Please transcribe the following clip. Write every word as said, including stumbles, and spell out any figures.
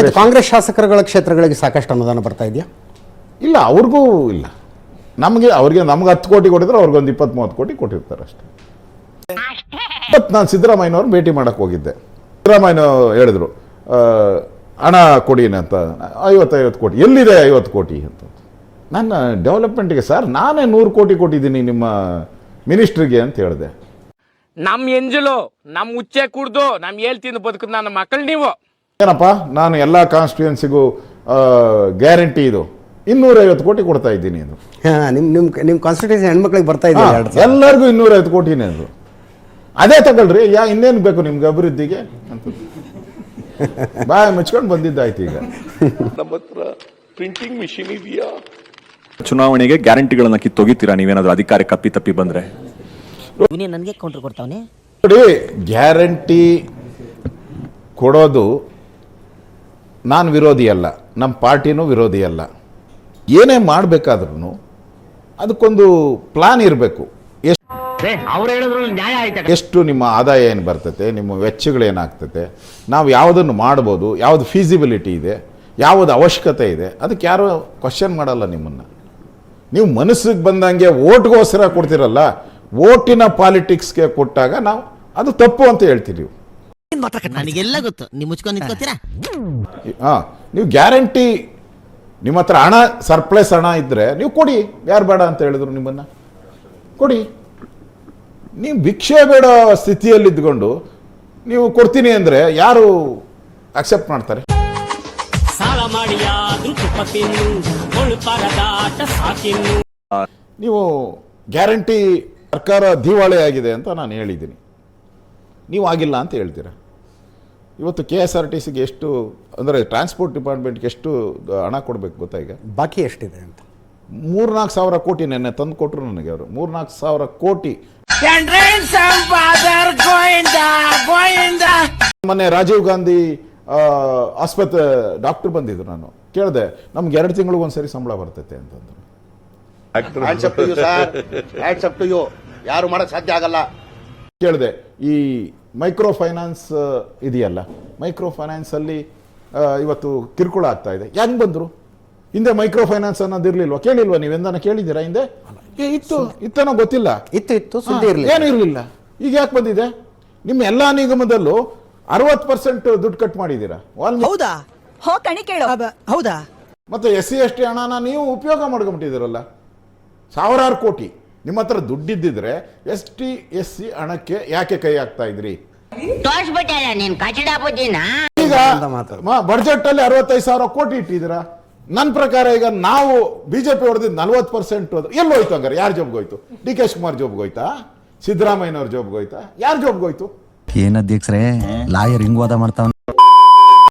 ಆಯ್ತು, ಕಾಂಗ್ರೆಸ್ ಶಾಸಕರುಗಳ ಕ್ಷೇತ್ರಗಳಿಗೆ ಸಾಕಷ್ಟು ಅನುದಾನ ಬರ್ತಾ ಇದೆಯಾ? ಇಲ್ಲ, ಅವ್ರಿಗೂ ಇಲ್ಲ. ನಮಗೆ ಅವ್ರಿಗೆ ನಮ್ಗೆ ಹತ್ತು ಕೋಟಿ ಕೊಟ್ಟಿದ್ರೆ ಅವ್ರಿಗೊಂದು ಇಪ್ಪತ್ತು ಮೂವತ್ತು ಕೋಟಿ ಕೊಟ್ಟಿರ್ತಾರೆ ಅಷ್ಟೇ. ಇವತ್ತು ನಾನು ಸಿದ್ದರಾಮಯ್ಯನವ್ರು ಭೇಟಿ ಮಾಡಕ್ಕೆ ಹೋಗಿದ್ದೆ. ಸಿದ್ದರಾಮಯ್ಯ ಹೇಳಿದ್ರು ಹಣ ಕೊಡಿನ ಅಂತ. ಐವತ್ತೈವತ್ತು ಕೋಟಿ ಎಲ್ಲಿದೆ? ಐವತ್ತು ಕೋಟಿ ಅಂತ. ನನ್ನ ಡೆವಲಪ್ಮೆಂಟ್ಗೆ ಸರ್ ನಾನೇ ನೂರು ಕೋಟಿ ಕೊಟ್ಟಿದ್ದೀನಿ ನಿಮ್ಮ ಮಿನಿಸ್ಟ್ರಿಗೆ ಅಂತ ಹೇಳಿದೆ. ನಮ್ ಎಂಜಲು ನಮ್ ಉಚ್ಚೆ ಕುಡ್ದು ನಮ್ ಹೇಳ್ತೀನಿ ಬದುಕುದು ನನ್ನ ಮಕ್ಕಳು ನೀವು. ಏನಪ್ಪ, ನಾನು ಎಲ್ಲ ಕಾನ್ಸ್ಟಿಟ್ಯೂನ್ಸಿಗೂ ಗ್ಯಾರಂಟಿ ಇದು ಇನ್ನೂರೈವತ್ತು ಕೋಟಿ ಕೊಡ್ತಾ ಇದ್ದೀನಿ ಅದು. ನಿಮ್ಮ ನಿಮ್ಮ ನಿಮ್ಮ ಕಾನ್ಸ್ಟಿಟ್ಯೂನ್ಸಿ ಹೆಣ್ಮಕ್ಳಿಗೆ ಬರ್ತಾ ಇದೆ ಎಲ್ಲರಿಗೂ ಇನ್ನೂರೈವತ್ತು ಕೋಟಿನೇ ಅದು. ಅದೇ ತಗೊಳ್ರಿ, ಯಾ ಇನ್ನೇನು ಬೇಕು ನಿಮ್ಗೆ ಅಭಿವೃದ್ಧಿಗೆ ಅಂತ ಬಾಯ್ ಮುಚ್ಕೊಂಡು ಬಂದಿದ್ದಾಯ್ತು. ಈಗ ನಮ್ಮ ಹತ್ರ ಪ್ರಿಂಟಿಂಗ್ ಮಿಷಿನ್ ಇದೆಯಾ? ಚುನಾವಣೆಗೆ ಗ್ಯಾರಂಟಿಗಳನ್ನ ಕಿತ್ತೊಗಿತೀರಾ ನೀವೇನಾದ್ರೂ ಅಧಿಕಾರಕ್ಕೆ ಕಪ್ಪಿ ತಪ್ಪಿ ಬಂದ್ರೆ? ನನಗೆ ಕೌಂಟರ್ ಕೊಡ್ತಾವನೆ ನೋಡಿ, ಗ್ಯಾರಂಟಿ ಕೊಡೋದು ನಾನು ವಿರೋಧಿ ಅಲ್ಲ, ನಮ್ಮ ಪಾರ್ಟಿನೂ ವಿರೋಧಿ ಅಲ್ಲ. ಏನೇ ಮಾಡಬೇಕಾದ್ರೂ ಅದಕ್ಕೊಂದು ಪ್ಲಾನ್ ಇರಬೇಕು. ಎಷ್ಟು ನಿಮ್ಮ ಆದಾಯ ಏನು ಬರ್ತತೆ, ನಿಮ್ಮ ವೆಚ್ಚಗಳೇನಾಗ್ತತೆ, ನಾವು ಯಾವುದನ್ನು ಮಾಡ್ಬೋದು, ಯಾವುದು ಫೀಸಿಬಿಲಿಟಿ ಇದೆ, ಯಾವುದು ಅವಶ್ಯಕತೆ ಇದೆ, ಅದಕ್ಕೆ ಯಾರು ಕ್ವಶನ್ ಮಾಡಲ್ಲ ನಿಮ್ಮನ್ನು. ನೀವು ಮನಸ್ಸಿಗೆ ಬಂದಂಗೆ ಓಟ್ಗೋಸ್ಕರ ಕೊಡ್ತಿರಲ್ಲ, ಓಟಿನ ಪಾಲಿಟಿಕ್ಸ್ಗೆ ಕೊಟ್ಟಾಗ ನಾವು ಅದು ತಪ್ಪು ಅಂತ ಹೇಳ್ತೀವಿ. ನನಗೆಲ್ಲ ಗೊತ್ತು, ನೀವು ಮುಚ್ಕೊಂಡು ನಿಂತ್ಕೋತೀರಾ? ಹಾಂ, ನೀವು ಗ್ಯಾರಂಟಿ ನಿಮ್ಮ ಹತ್ರ ಹಣ ಸರ್ಪ್ಲಸ್ ಹಣ ಇದ್ದರೆ ನೀವು ಕೊಡಿ, ಯಾರು ಬೇಡ ಅಂತ ಹೇಳಿದ್ರು ನಿಮ್ಮನ್ನು ಕೊಡಿ. ನೀವು ಭಿಕ್ಷೆ ಬೇಡ ಸ್ಥಿತಿಯಲ್ಲಿದ್ದುಕೊಂಡು ನೀವು ಕೊಡ್ತೀನಿ ಅಂದರೆ ಯಾರು ಅಕ್ಸೆಪ್ಟ್ ಮಾಡ್ತಾರೆ? ನೀವು ಗ್ಯಾರಂಟಿ ಸರ್ಕಾರ ದಿವಾಳಿ ಆಗಿದೆ ಅಂತ ನಾನು ಹೇಳಿದ್ದೀನಿ, ನೀವು ಆಗಿಲ್ಲ ಅಂತ ಹೇಳ್ತೀರಾ. ಇವತ್ತು ಕೆ ಎಸ್ ಆರ್ ಟಿ ಸಿಗೆ ಎಷ್ಟು ಅಂದರೆ ಟ್ರಾನ್ಸ್ಪೋರ್ಟ್ ಡಿಪಾರ್ಟ್ಮೆಂಟ್ಗೆ ಎಷ್ಟು ಹಣ ಕೊಡಬೇಕು ಗೊತ್ತಾ? ಈಗ ಬಾಕಿ ಎಷ್ಟಿದೆ ಅಂತ ಮೂರ್ನಾಲ್ಕು ಸಾವಿರ ಕೋಟಿ ನೆನ್ನೆ ತಂದು ಕೊಟ್ಟರು ನನಗೆ ಅವರು. ಮೂರ್ನಾಲ್ಕು ಸಾವಿರ ಕೋಟಿ. ಮೊನ್ನೆ ರಾಜೀವ್ ಗಾಂಧಿ ಆಸ್ಪತ್ರೆ ಡಾಕ್ಟರ್ ಬಂದಿದ್ರು, ನಾನು ಕೇಳಿದೆ ನಮ್ಗೆ ಎರಡು ತಿಂಗಳಿಗೆ ಒಂದ್ಸರಿ ಸಂಬಳ ಬರ್ತೈತೆ ಅಂತಂದ್ರು. ಯಾರು ಮಾಡಕ್ ಸಾಧ್ಯ ಆಗಲ್ಲ. ಕೇಳಿದೆ ಈ ಮೈಕ್ರೋ ಫೈನಾನ್ಸ್ ಇದೆಯಲ್ಲ, ಮೈಕ್ರೋ ಫೈನಾನ್ಸ್ ಅಲ್ಲಿ ಇವತ್ತು ಕಿರುಕುಳ ಆಗ್ತಾ ಇದೆ, ಹೆಂಗ್ ಬಂದ್ರು? ಹಿಂದೆ ಮೈಕ್ರೋ ಫೈನಾನ್ಸ್ ಅನ್ನೋದಿರ್ಲಿಲ್ವಾ? ಕೇಳಿಲ್ವಾ? ನೀವೆಂದಾನ ಕೇಳಿದ್ದೀರಾ ಹಿಂದೆ? ಇತ್ತು ಇತ್ತನೋ ಗೊತ್ತಿಲ್ಲ, ಇತ್ತು ಇತ್ತು ಸುದ್ದಿ ಇರಲಿಲ್ಲ, ಏನು ಇರಲಿಲ್ಲ. ಈಗ ಯಾಕೆ ಬಂದಿದೆ? ನಿಮ್ಮ ಎಲ್ಲಾ ನಿಗಮದಲ್ಲೂ ಅರವತ್ತು ಪರ್ಸೆಂಟ್ ದುಡ್ಡು ಕಟ್ ಮಾಡಿದ್ದೀರಾ. ಹೌದಾ? ಹೌದಾ? ಮತ್ತೆ ಎಸ್ ಸಿ ಎಸ್ ಟಿ ಹಣನ ನೀವು ಉಪಯೋಗ ಮಾಡ್ಕೊಂಡ್ಬಿಟ್ಟಿದ್ದೀರಲ್ಲ, ಸಾವಿರಾರು ಕೋಟಿ. ನಿಮ್ಮ ಹತ್ರ ದುಡ್ಡಿದ್ದಿದ್ರೆ ಎಸ್ ಟಿ ಎಸ್ ಸಿ ಹಣಕ್ಕೆ ಯಾಕೆ ಕೈ ಹಾಕ್ತಾ ಇದ್ರಿ? ಈಗ ಬಡ್ಜೆಟ್ ಅಲ್ಲಿ ಅರವತ್ತೈದು ಸಾವಿರ ಕೋಟಿ ಇಟ್ಟಿದ್ದೀರಾ. ನನ್ನ ಪ್ರಕಾರ ಈಗ ನಾವು ಬಿಜೆಪಿ ಹೊಡೆದಿದ್ದು ನಲ್ವತ್ತು ಪರ್ಸೆಂಟ್ ಎಲ್ಲಿ ಹೋಯ್ತು? ಹಂಗಾರೆ ಯಾರ ಜೋಬ್ಗೆ ಹೋಯ್ತು? ಡಿ ಕೆ ಶಿವಕುಮಾರ್ ಜೋಬ್ಗೆ ಹೋಯ್ತಾ? ಸಿದ್ದರಾಮಯ್ಯನವ್ರ ಜೋಬ್ಗೆ ಹೋಯ್ತಾ? ಯಾರ ಜೋಬ್ಗೆ ಹೋಯ್ತು? ಏನ್ ಅಧ್ಯಕ್ಷರೇ ಲಾಯರ್ ಹಿಂಗ್ ವಾದ ಮಾಡ್ತಾವನೆ?